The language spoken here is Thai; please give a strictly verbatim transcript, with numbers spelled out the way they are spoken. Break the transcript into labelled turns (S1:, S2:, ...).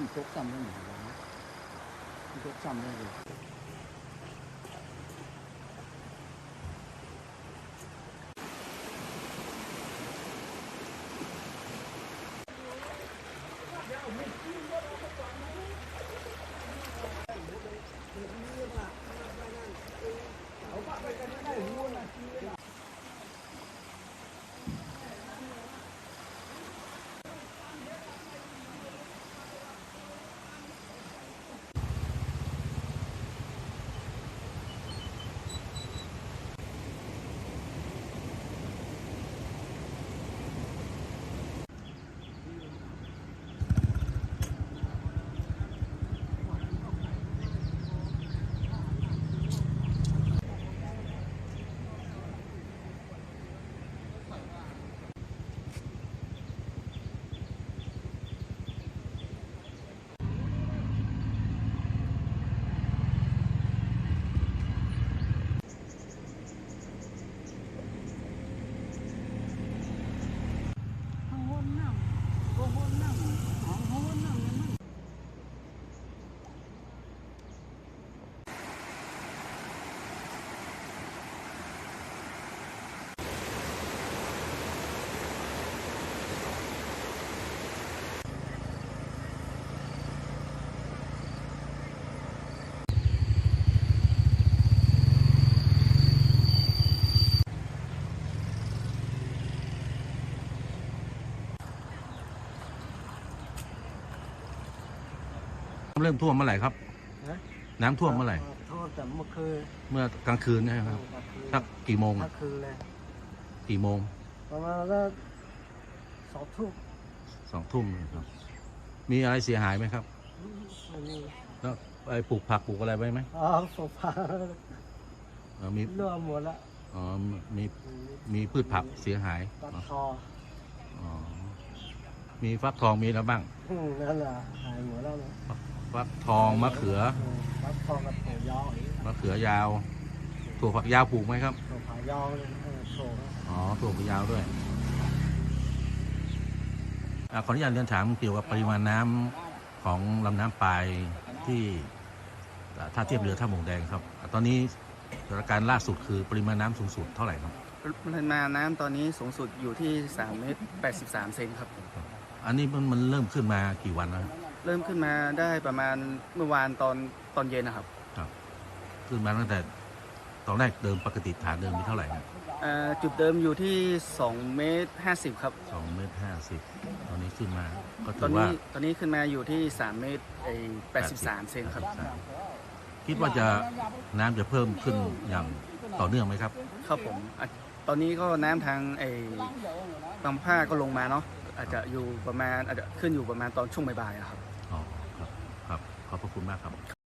S1: ตกซ้ำได้ไหมตกซ้ำได้เลย
S2: เริ่มท่วมเมื่อไหร่ครับน้ำท่วมเมื่อไหร่
S1: ท่วมแต่เมื่อคืน
S2: เมื่อกลางคืนนะครับสักกี่โมง
S1: กลางคืนเลย
S2: กี่โมง
S1: ประมาณก็สองทุ่ม
S2: สองทุ่มครับมีอะไรเสียหายไหมครับ
S1: ไม่มี
S2: แล้วไปปลูกผักปลูกอะไรไว้ไหม
S1: อ๋อโซฟา
S2: มี
S1: เลื่อมหมดละ
S2: อ๋อมีมีพืชผักเสียหาย
S1: ฟักทอง
S2: อ๋อมีฟักทองมีแล้วบ้าง
S1: นั่นแหละหายหมดแล้วนะ
S2: ฟักทองมะเขือ
S1: ฟักทองกับถั่วยาว
S2: มะเขือยาวถั่วฝักยาวปลูกไหมครับ
S1: ถั่วฝักยาวเลยถั่ว
S2: อ๋อถั่วฝักยาวด้วยขออนุญาตเรียนถามเกี่ยวกับปริมาณน้ำของลำน้ำปลายที่ท่าเทียบเรือท่าหมงแดงครับตอนนี้สถานการณ์ล่าสุดคือปริมาณน้ำสูงสุดเท่าไหร่ครับ
S3: ปริมาณน้ำตอนนี้สูงสุดอยู่ที่สามเมตรแปดสิบสามเซนครับ
S2: อันนี้มันมันเริ่มขึ้นมากี่วันแล้ว
S3: เริ่มขึ้นมาได้ประมาณเมื่อวานตอนตอนเย็นนะครับ
S2: ครับขึ้นมาตั้งแต่ตอนแรกเดิมปกติฐานเดิมมีเท่าไหร่ครับ
S3: จุดเดิมอยู่ที่สองเมตรห้าสิบครับ
S2: สองเมตรห้าสิบตอนนี้ขึ้นมาก็ถื
S3: อ
S2: ว่า
S3: ตอนนี้ขึ้นมาอยู่ที่สามเมตรแปดสิบสามเซนครับ
S2: คิดว่าจะน้ำจะเพิ่มขึ้นอย่างต่อเนื่องไหมครับ
S3: ครับผมตอนนี้ก็น้ำทางไอ้บางภาคก็ลงมาเนาะอาจจะอยู่ประมาณอาจจะขึ้นอยู่ประมาณตอนช่วงบ่ายๆครับ
S2: อ๋อครับครับขอบพระคุณมากครับ